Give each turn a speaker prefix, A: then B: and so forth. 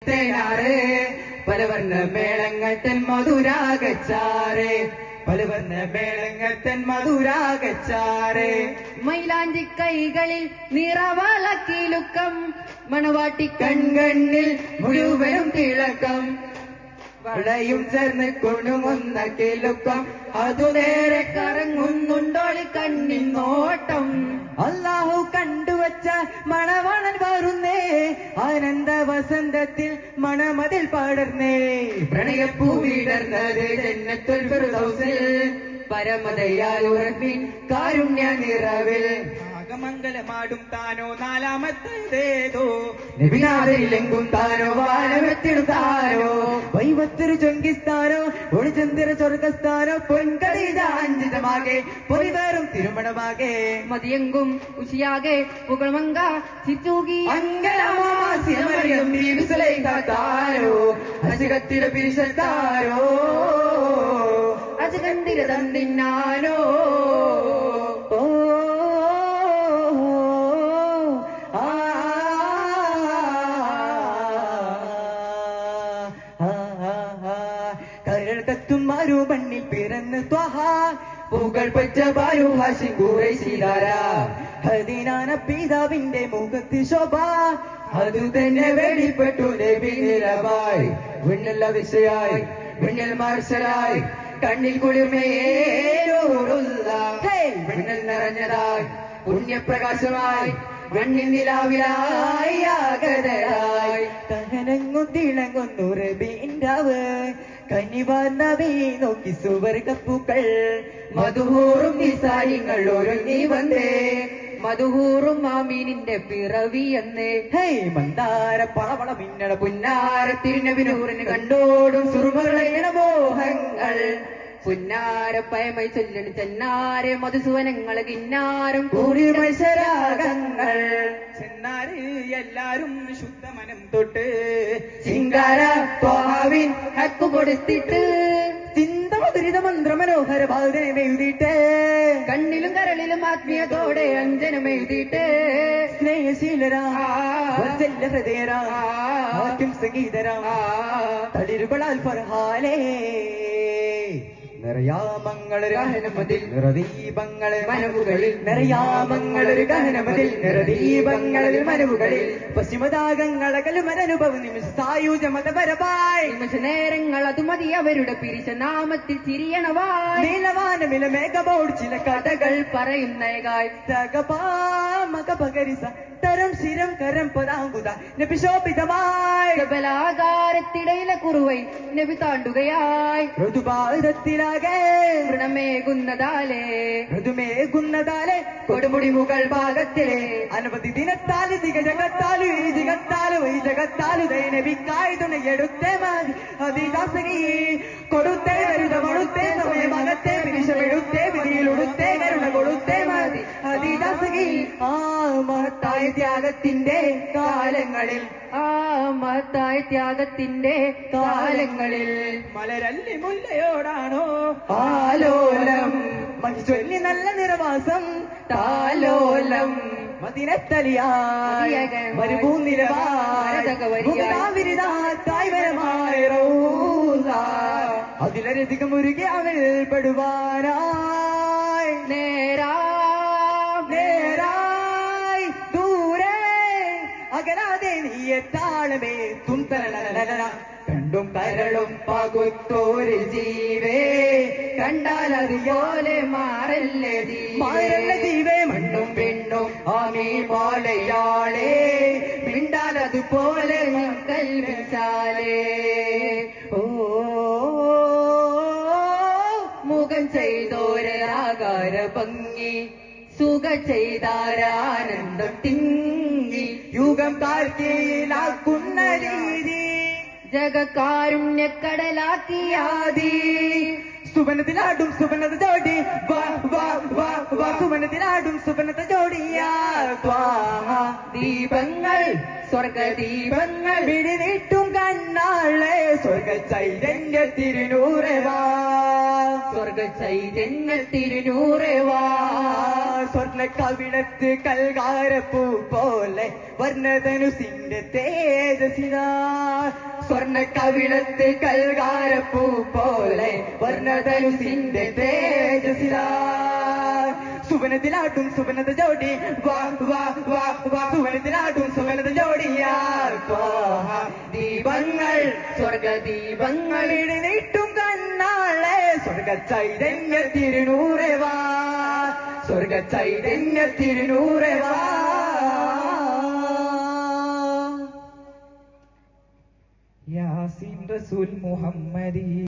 A: തേനാറ് പലവർണ്ണ മേളങ്ങൾ തൻ മധുരാഗച്ചാറ് പലവർണ്ണ മേളങ്ങൾ തൻ മധുരാഗച്ചാറ്
B: മൈലാഞ്ചി കൈകളിൽ നിറവളക്കിലുക്കം മണവാട്ടി
A: കൺകണ്ണിൽ മുഴുവനും തിളക്കം വളയും ചേർന്ന് കുണുങ്ങുന്ന കിലുക്കം അതു നേരെ
B: കറങ്ങുന്നുണ്ടോളി കണ്ണിൻ നോട്ടം
A: അല്ലാഹു കണ്ടുവച്ച മണവാളൻ വരുന്നേ ആനന്ദ വസന്തത്തിൽ മണമതിൽ പടർന്നേ പ്രണയപ്പൂ വിടർന്നത് ജന്നത്തുൽ ഫിർദൗസിൽ പരമദയാലുറപ്പിൻ കാരുണ്യ നിറവിൽ മംഗലമാടും താനോ നാലാമത്തേതോ നബിനാഥരിലെങ്കും താനോ വാനമെത്തിടുത്താനോ വൈവത്തൊരു ചൊങ്കിസ്ഥാനോ ഒളിചന്ദ്ര സ്വർഗസ്ഥാനോ പൊൻകടീജാഞ്ചിതമാകെ പൊലിവേറും തിരുമണമാകെ
B: മതിയെങ്കും ഉശിയാകെ പുകൾമങ്ക ചിറ്റൂകി
A: അങ്കലമാസിയമറിയം താരോ അസുഖത്തില പിരിശത്താരോ
B: അജകന്തിര തന്നിന്നാനോ
A: കരൾക്കത്തും മരുമണ്ണിൽ പിറന്ന് ത്വഹാ പൂകൾ പറ്റ ബാരു ഹാഷിം ഖുറൈശിദാര ഹദീനാന പിതാവിന്റെ മുഖത്ത് ശോഭ അതു തന്നെ വെളിപ്പെട്ടു നബി നിലവായി വിണ്ണൽ അതിശയായി വിണ്ണൽ മാർശലായി കണ്ണിൽ കുളിർമയേറൂറുള്ള വിണ്ണൽ നിറഞ്ഞതായി പുണ്യപ്രകാശമായി മണ്ണിൽ നിലാവിലായി ആകരായി തഹനങ്ങും തിളങ്ങുന്നു റബീൻറാവ് കനിവാർന്നവേ നോക്കി സുവർഗപ്പൂക്കൾ മധുഹൂറും നിസാരിങ്ങൾ ഒരുങ്ങി വന്നേ
B: മധുഹൂറും മാമീനിന്റെ പിറവി എന്നേ
A: ഹേ മന്ദാര പാവള മിന്നട പുന്നാര തിരുനബിനൂറിന് കണ്ടോടും സുറുമകളേണ മോഹങ്ങൾ പുന്നാര പയമൈ ചൊല്ലണി ചെന്നാരെ മധുസുവനങ്ങള് കിന്നാരം കൂടി മത്സരാഗങ്ങൾ
C: ചെന്നാര് എല്ലാരും ശുദ്ധമനം തൊട്ട്
A: ചിങ്കാര ത്വാവിൻ
B: ഹക്കു കൊടുത്തിട്ട്
A: ചിന്ത മധുരിത മന്ത്ര മനോഹര ഭാവനം എഴുതിയിട്ട്
B: കണ്ണിലും കരളിലും ആത്മീയതോടെ അഞ്ജനം എഴുതിയിട്ട്
A: സ്നേഹശീലരാ വത്സല്യ ഹൃദയരാ ആദ്യം സംഗീതരാ തളിരുകളാൽ ഫർഹാലേ നിറയാമങ്ങളൊരു ഗഹനമതിൽ നിറദീപങ്ങളിൽ മനവുകളിൽ നിറയാമങ്ങളൊരു ഗഹനമതിൽ നിറദീപങ്ങളിൽ മനവുകളിൽ പശ്ചിമദാഗങ്ങളകലുമനുഭവ നിമിഷ സായുജ മതപരമായി
B: നിമിഷ നേരങ്ങൾ അത് മതി അവരുടെ പിരിച്ച നാമത്തിൽ ചിരിയണവായി
A: നീലവാനമില മേഘമോട് ചില കഥകൾ
B: പറയുന്നേകായ്
A: സകപാമകപകരിസ തരം ശിരം കരം പതാങ്കുത നബിശോഭിതമായി
B: ബലാകാരത്തിടയിലെ കുറുവൈ നബി താണ്ടുകയായി
A: ഋതുഭാരത്തിലാകെ
B: വൃണമേകുന്നതാലേ
A: ഋതുമേകുന്നതാലെ കൊടുമുടി മുകൾ ഭാഗത്തിലെ അനവധി ദിനത്താല് ജഗത്താലു ഈ ജഗത്താലു ഈ ജഗത്താലു നബിക്കായി തുണയെടുത്തേ മതി അതിദാസകി കൊടുത്തേ വരുതമൊടുത്തേ സമയമകത്തെ പിരിശമെടുത്തേ വിധിയിലുടുത്തേ കരുണ കൊടുത്തേ മതി അതിദാസകി ആ മഹത്തായ ത്യാഗത്തിന്റെ കാലങ്ങളിൽ
B: മഹത്തായ ത്യാഗത്തിന്റെ കാലങ്ങളിൽ
C: മലരല്ലി മുല്ലയോടാണോ
A: ആലോലം മഹിചൊല്ലി നല്ല നിറവാസം
B: താലോലം
A: മദിനത്തലിയായി മരുഭൂനിരവായി അതിലധികം മുരുകി അവൾ പെടുവാനായി നേരായി ദൂരെ അകരാതെ നീയെത്താളമേ തുന്തല കണ്ടും കരളും പകുത്തോര് ജീവേ
B: കണ്ടാൽ അതുപോലെ മാറല്ലേ
A: ജീവേ മണ്ണും പെണ്ണും ആമീ പോലെയാളേ
B: മിണ്ടാൽ അതുപോലെ കൽവിച്ചാലേ
A: ഓ
B: മുഖം ചെയ്തോരാകാര ഭംഗി സുഖ ചെയ്താരാനന്ദം തിങ്ങി
A: യുഗം കാർത്തിയിലാക്കുന്ന രീതി
B: ജഗകാരുണ്യക്കടലാക്കിയാതി
A: സുവനത്തിലാടും സുവനത ജോഡി സുവനത്തിലാടും സുവനത ജോഡിയാ
B: ദീപങ്ങൾ സ്വർഗദീപങ്ങൾ
A: വിഴിനീട്ടും കണ്ണാളെ സ്വർഗ ചൈതന്യ തിരുനൂറവാ
B: സ്വർഗ ചൈതന്യ തിരുനൂറവാ
A: സ്വർണ്ണ കവിളത്ത് കൽകാരപ്പൂ പോലെ വർണ്ണധനുസിന്റെ തേജസിതാ സ്വർണ്ണ കവിളത്ത് കൽകാരപ്പൂ പോലെ വർണ്ണധനുസിന്റെ തേജസിതാ സുവനത്തിലാട്ടും സുവനത ജോഡി വാ വാ വാ വാ സുവനത്തിലാട്ടും സുവനത ജോഡിയാൽ ദീപങ്ങൾ സ്വർഗദീപങ്ങൾ ഇടിനീട്ടും കണ്ണാളെ സ്വർഗ ചൈതന്യ തിരുനൂറെ വാ സ്വർഗ ചൈതന്യ തിരുനൂറെ വാ
C: യാസീൻ റസൂൽ മുഹമ്മദി